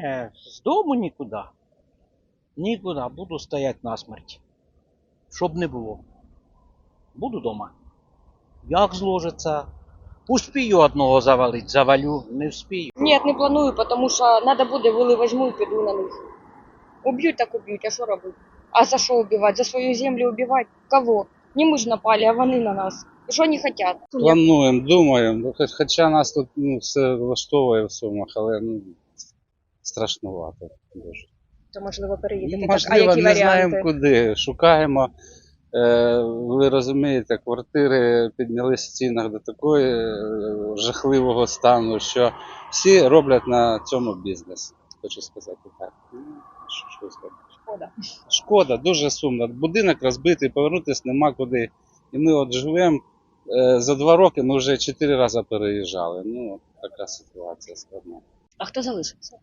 Не, з дому нікуди. Нікуди, буду стояти насмерть. Щоб не було. Буду дома. Як зложиться? Успію одного завалить, завалю, не вспію. Нет, не планую, потому що надо буде, вили возьму і піду на них. Уб'ють так уб'ють, а що робити? А за що убивати? За свою землю убивати? Кого? Не ми ж напали, а вони на нас. Що вони хочуть? Плануємо, думаємо. Хоча нас тут все влаштовує в Сумах, але страшнувато дуже. То можливо переїдете. Можливо, не знаємо куди. Шукаємо. Ви розумієте, квартири піднялися в цінах до такої жахливого стану, що всі роблять на цьому бізнес. Хочу сказати так. Що сказати? Шкода. Шкода, дуже сумно. Будинок розбитий, повернутися нема куди. І ми от живемо. За 2 роки ми вже 4 рази переїжджали. Ну, така ситуація складна. А хто залишиться?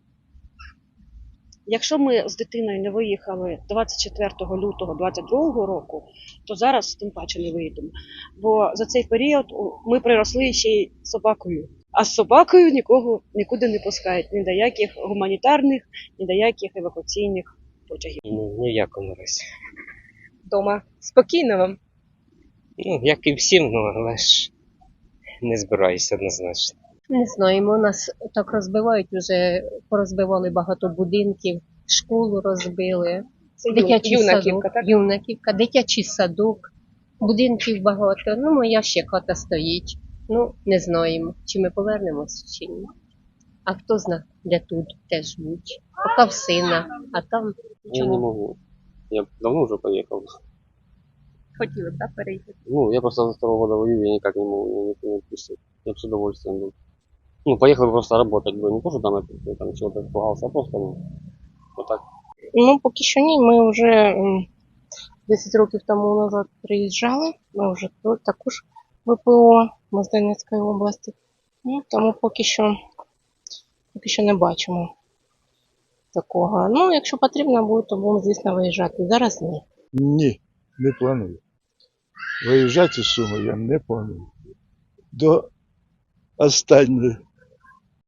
Якщо ми з дитиною не виїхали 24 лютого 2022 року, то зараз тим паче не виїдемо. Бо за цей період ми приросли ще й собакою. А з собакою нікого нікуди не пускають. Ні до яких гуманітарних, ні до яких евакуаційних потягів. Ні в якому разі. Дома. Спокійно вам. Ну, як і всім, ну, але ж не збираюся однозначно. Не знаємо, нас так розбивають, вже порозбивали багато будинків, школу розбили, дитячий Юнаківка, садок, так? Юнаківка, дитячий садок, будинків багато. Ну, моя ще хата стоїть. Ну, не знаємо, чи ми повернемося, чи ні. А хто знає, де тут теж будь. Поки в сина, а там Я не могу. Я давно уже поехал. Хотіли б, так, переїхати? Ну, я просто за 2 года воюю, я никак не могу, меня никто не отпустит. Я бы с удовольствием был. Ну, поехал бы просто работать бы, не то, что там чего-то испугался, а просто, ну, вот так. Ну, поки що ні. Ми вже 10 років тому назад приїжджали. Ми вже тут також ВПО, ми з Донецької області. Ну, тому поки що не бачимо такого. Ну, якщо потрібно буде, то будемо, звісно, виїжджати. Зараз ні. Ні, не планую. Виїжджати з Суми я не планую. До останньої